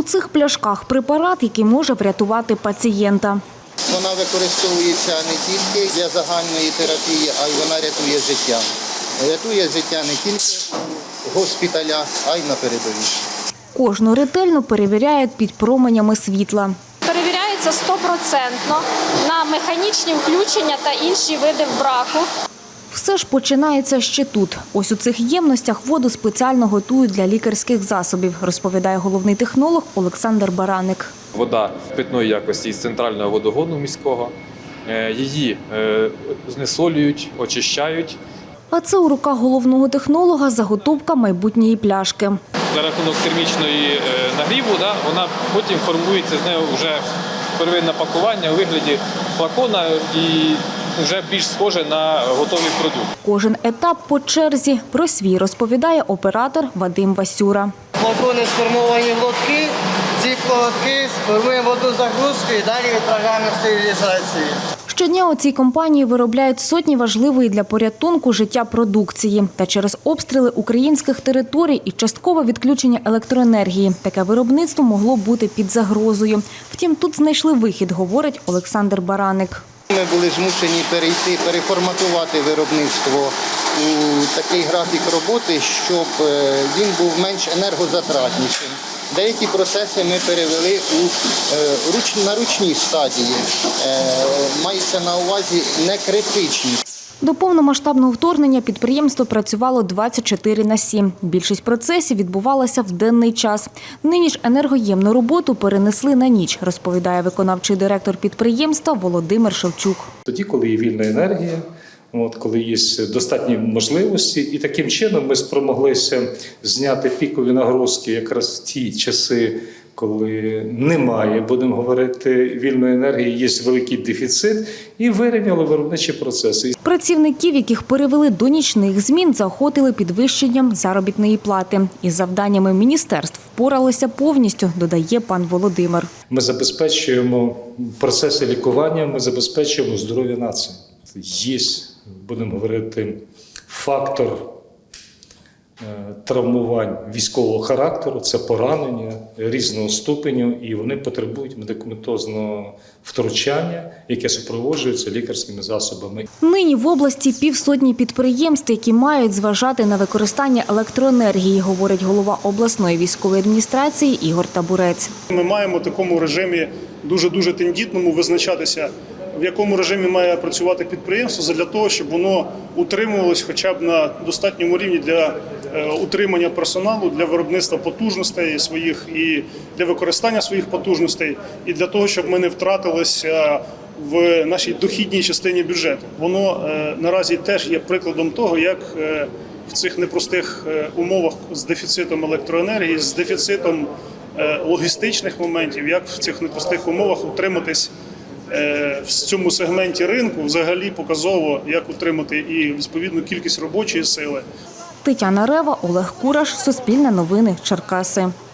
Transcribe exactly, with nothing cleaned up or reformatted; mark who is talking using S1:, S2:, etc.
S1: цих пляшках препарат, який може врятувати пацієнта.
S2: Вона використовується не тільки для загальної терапії, а й вона рятує життя. Рятує життя не тільки в госпіталях, а й на передовій.
S1: Кожну ретельно перевіряють під променями світла.
S3: Перевіряється стопроцентно на механічні включення та інші види браку.
S1: Все ж починається ще тут. Ось у цих ємностях воду спеціально готують для лікарських засобів, розповідає головний технолог Олександр Бараник.
S4: Вода питної якості із центрального водогону міського. Її знесолюють, очищають.
S1: А це у руках головного технолога заготовка майбутньої пляшки.
S4: За рахунок термічної нагріву да, вона потім формується, з нею вже первинне пакування у вигляді флакона і вже більш схоже на готовий продукт.
S1: Кожен етап по черзі. Про свій розповідає оператор Вадим Васюра.
S5: Флакони сформовані в лотки, ці лотки сформуємо воду загрузку і далі відправляємо в стерилізацію.
S1: Щодня у цій компанії виробляють сотні важливої для порятунку життя продукції. Та через обстріли українських територій і часткове відключення електроенергії таке виробництво могло бути під загрозою. Втім, тут знайшли вихід, говорить Олександр Бараник.
S2: Ми були змушені перейти, переформатувати виробництво у такий графік роботи, щоб він був менш енергозатратнішим. Деякі процеси ми перевели у, на ручній стадії, мається на увазі не критичні.
S1: До повномасштабного вторгнення підприємство працювало двадцять чотири на сім. Більшість процесів відбувалася в денний час. Нині ж енергоємну роботу перенесли на ніч, розповідає виконавчий директор підприємства Володимир Шевчук.
S6: Тоді, коли є вільна енергія, от, коли є достатні можливості, і таким чином ми спромоглися зняти пікові нагрузки якраз в ті часи, коли немає, будемо говорити, вільної енергії, є великий дефіцит, і вирівняли виробничі процеси.
S1: Працівників, яких перевели до нічних змін, заохотили підвищенням заробітної плати. Із завданнями міністерств впоралися повністю, додає пан Володимир.
S6: Ми забезпечуємо процеси лікування, ми забезпечуємо здоров'я нації. Є, будемо говорити, фактор травмувань військового характеру, це поранення різного ступеню, і вони потребують медикаментозного втручання, яке супроводжується лікарськими засобами.
S1: Нині в області півсотні підприємств, які мають зважати на використання електроенергії, говорить голова обласної військової адміністрації Ігор Табурець.
S7: Ми маємо в такому режимі дуже-дуже тендітному визначатися, в якому режимі має працювати підприємство, для того, щоб воно утримувалось хоча б на достатньому рівні для утримання персоналу, для виробництва потужностей своїх і для використання своїх потужностей, і для того, щоб ми не втратилися в нашій дохідній частині бюджету. Воно наразі теж є прикладом того, як в цих непростих умовах з дефіцитом електроенергії, з дефіцитом логістичних моментів, як в цих непростих умовах утриматись в цьому сегменті ринку, взагалі показово, як утримати і відповідну кількість робочої сили.
S1: Тетяна Рева, Олег Кураш, Суспільне новини, Черкаси.